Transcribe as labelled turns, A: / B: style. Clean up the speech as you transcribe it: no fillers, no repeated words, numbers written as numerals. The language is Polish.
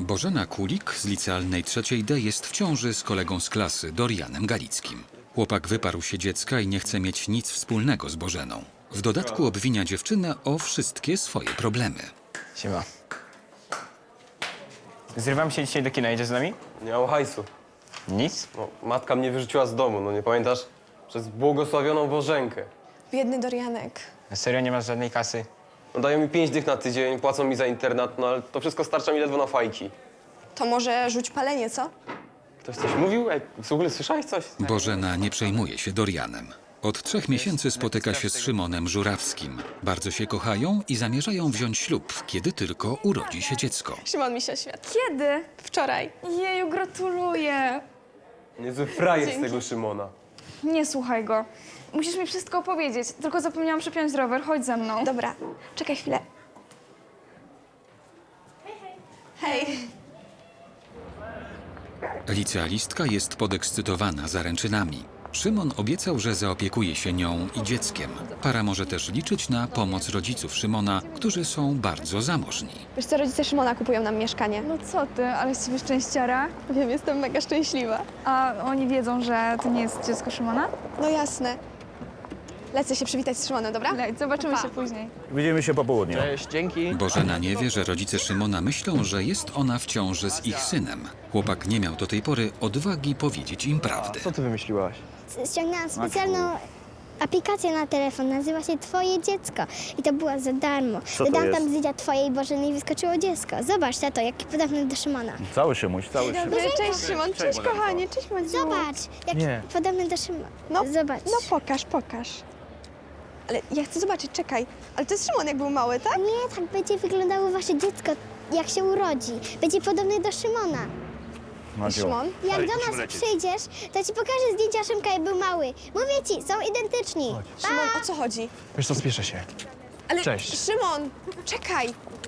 A: Bożena Kulik z licealnej 3D jest w ciąży z kolegą z klasy, Dorianem Galickim. Chłopak wyparł się dziecka i nie chce mieć nic wspólnego z Bożeną. W dodatku obwinia dziewczynę o wszystkie swoje problemy.
B: Siema. Zrywam się dzisiaj do kina, idziesz z nami?
C: Nie mam hajsu.
B: Nic?
C: No, matka mnie wyrzuciła z domu, no nie pamiętasz? Przez błogosławioną Bożenkę.
D: Biedny Dorianek.
B: Na serio nie masz żadnej kasy?
C: No, dają mi 5 dych na tydzień, płacą mi za internat, no ale to wszystko starcza mi ledwo na fajki.
D: To może rzuć palenie, co?
C: Ktoś coś mówił? Ej, w ogóle słyszałeś coś?
A: Bożena nie przejmuje się Dorianem. Od 3 miesięcy spotyka się z Szymonem Żurawskim. Bardzo się kochają i zamierzają wziąć ślub, kiedy tylko urodzi się dziecko.
D: Szymon mi się świat.
E: Kiedy?
D: Wczoraj.
E: Jeju, gratuluję.
C: Niezły frajer z
D: Dzięki.
C: tego Szymona.
E: Nie słuchaj go. Musisz mi wszystko opowiedzieć. Tylko zapomniałam przypiąć rower. Chodź ze mną.
D: Dobra, czekaj chwilę. Hej.
A: Licealistka jest podekscytowana zaręczynami. Szymon obiecał, że zaopiekuje się nią i dzieckiem. Para może też liczyć na pomoc rodziców Szymona, którzy są bardzo zamożni.
D: Wiesz co, rodzice Szymona kupują nam mieszkanie.
E: No co ty, ale z ciebie szczęściara.
D: Wiem, jestem mega szczęśliwa.
E: A oni wiedzą, że to nie jest dziecko Szymona?
D: No jasne. Lecę się przywitać z Szymonem, dobra?
E: Leć, zobaczymy
D: Pa.
E: się później.
F: Widzimy się po południu.
B: Cześć, dzięki.
A: Bożena nie wie, że rodzice Szymona myślą, że jest ona w ciąży z ich synem. Chłopak nie miał do tej pory odwagi powiedzieć im prawdy.
C: Co ty wymyśliłaś?
G: Ściągnęłam specjalną aplikację na telefon, nazywa się Twoje dziecko i to była za darmo.
F: to
G: Dodałam
F: jest?
G: tam zdjęcia Twojej Bożeny i wyskoczyło dziecko. Zobacz, tato, jaki podobny do Szymona.
F: Cały Szymuś, cały Szymuś.
D: Cześć Szymon, cześć kochanie, cześć Madziu.
G: Zobacz, jaki
B: Nie.
G: podobny do Szymona.
D: No,
G: Zobacz.
D: No pokaż. Ale ja chcę zobaczyć, czekaj. Ale to jest Szymon, jak był mały, tak?
G: Nie, tak będzie wyglądało wasze dziecko, jak się urodzi. Będzie podobny do Szymona.
F: Maciu.
D: Szymon?
G: Jak do nas przyjdziesz, to ci pokażę zdjęcia Szymka, jak był mały. Mówię ci, są identyczni.
D: Szymon, o co chodzi?
B: Wiesz co, spieszę się.
D: Ale
B: Cześć.
D: Szymon, czekaj.